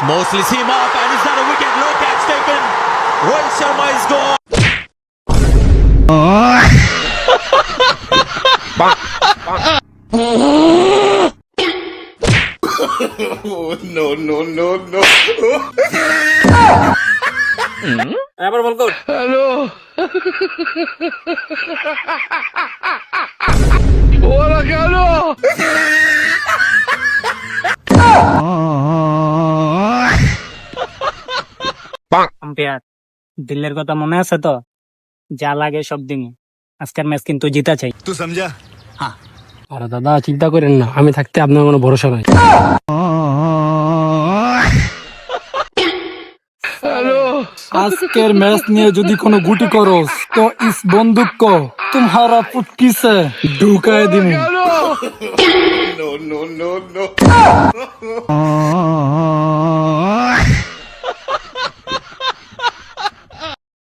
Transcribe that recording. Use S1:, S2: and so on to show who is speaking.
S1: Mosley's him up, and is that a wicket? No catch taken. Rohit Sharma is gone. No.
S2: এবার বল কর।
S3: Hello ওরা কেন
S2: umpire, দিল্লির কথা মনে আছে তো? যা লাগে সব দিন। আজকের ম্যাচ কিন্তু জিতা চাই।
S4: तू समझा?
S3: আরে দাদা চিন্তা করেন না, আমি থাকতে আপনার কোনো ভরসা নাই। হ্যালো আজকের ম্যাচ নিয়ে যদি কোনো গুটি করস তো ইস বন্দুক কো তোমারা পুটকি সে ঢুকায় দিমু।
S4: No.